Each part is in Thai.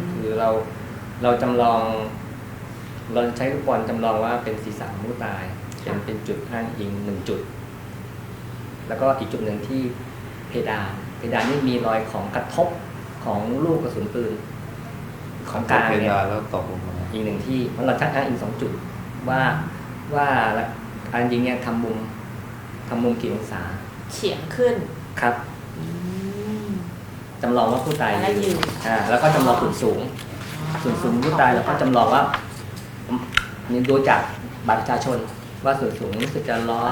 คือเราจำลองเราใช้ลูกบอลจำลองว่าเป็นศีรษะของผู้ตายเป็นจุดอ้างอิง1 จุดแล้วก็อีกจุดหนึ่งที่เพดานนี่มีรอยของกระทบของลูกกระสุนปืนของกลางเนี่ยแล้วตกลงมาอีก1ที่เพราะเราชักอ้างอิง2 จุดว่าการยิงเนี่ยทำมุมกี่องศาเฉียงขึ้นครับจำลองว่าผู้ตายยืนแล้วก็จำลองส่วนสูงผู้ตายแล้วก็จำลองว่านี่ดูจากบัตรประชาชนว่าส่วนสูงรู้สึกจะ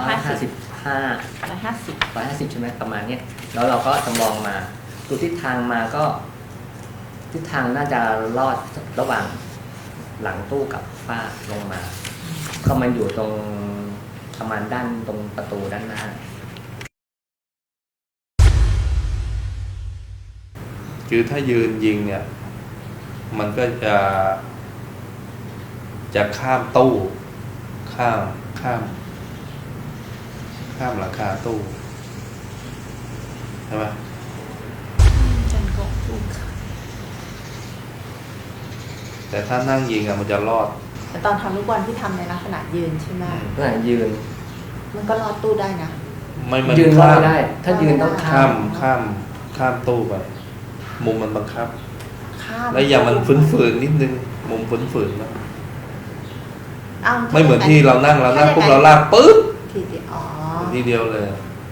150ใช่ไหมประมาณนี้แล้วเราก็จำลองมาดูทิศทางมาก็ทิศทางน่าจะลอดระหว่างหลังตู้กับฝ้าลงมาก็มันอยู่ตรงประมาณด้านตรงประตูด้านหน้าคือถ้ายืนยิงเนี่ยมันก็จะข้ามตู้ข้ามหลังคาตู้ใช่ไหมแต่ถ้านั่งยิงมันจะรอดแต่ตอนทำลูกบอลที่ทำในลักษณะยืนใช่ไหมขณะยืนมันก็รอดตู้ได้นะไม่ยืนรอดได้ถ้ายืนต้องข้ามตู้ไปมุมมันบังคับแล้วอย่างมันฝืนนิดนึงมุมฝืนนะไม่เหมือนที่เรานั่งปุ๊บเราลากปึ๊บทีเดียวเลย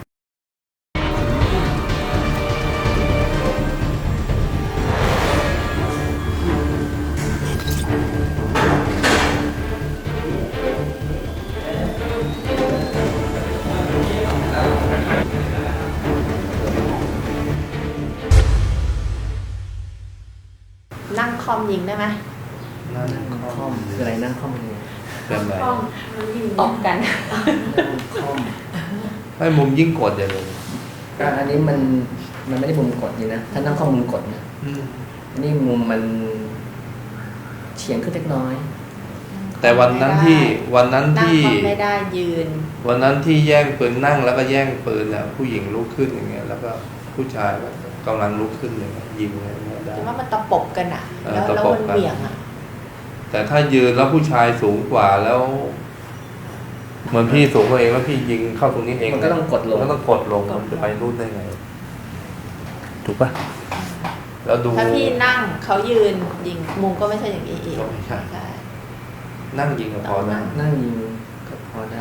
นั่งคอมยิงได้ไหมนั่งคอมคืออะไรนั่งคอมยิงเป็นไรตบกันคอมให้มุมยิ่งกดอย่างเลยอันนี้มันไม่ได้มุมกดนี่นะถ้านั่งคอมมุมกดนะนี่มุมมันเฉียงขึ้นเล็กน้อยแต่วันนั้นที่ไม่ได้ยืนวันนั้นที่แย่งปืนนั่งแล้วก็แย่งปืนผู้หญิงลุกขึ้นอย่างเงี้ยแล้วก็ผู้ชายก็กำลังลุกขึ้นอย่างเงี้ยยิงอย่างเงี้ยได้แต่ว่ามันตะปบกันแล้วมันเหวี่ยงแต่ถ้ายืนแล้วผู้ชายสูงกว่าแล้วเหมือนพี่สูงกว่าเองแล้วพี่ยิงเข้าตรงนี้เองมันก็ต้องกดลงมันจะไปรุ่นได้ไงถูกป่ะแล้วดูถ้าพี่นั่งเขายืนยิงมุมก็ไม่ใช่อย่างนี้อีกใช่นั่งยิงก็พอนั่งยิงก็พอได้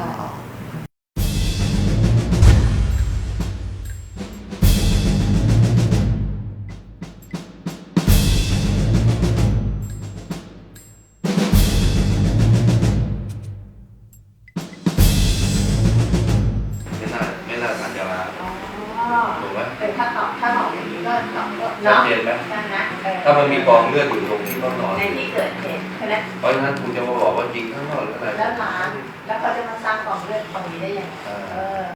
เป็นถ้าตอบอย่างนี้ก็ตอบก็ชัดเจนไหมถ้ามันมีกองเลือดอยู่ตรงที่ต้องนอนในที่เกิดเหตุใช่ไหมเพราะฉะนั้นคุณจะมาบอกว่ายิงข้างนอกหรืออะไรแล้วเขาจะมาสร้างกองเลือดตรงนี้ได้ยังไง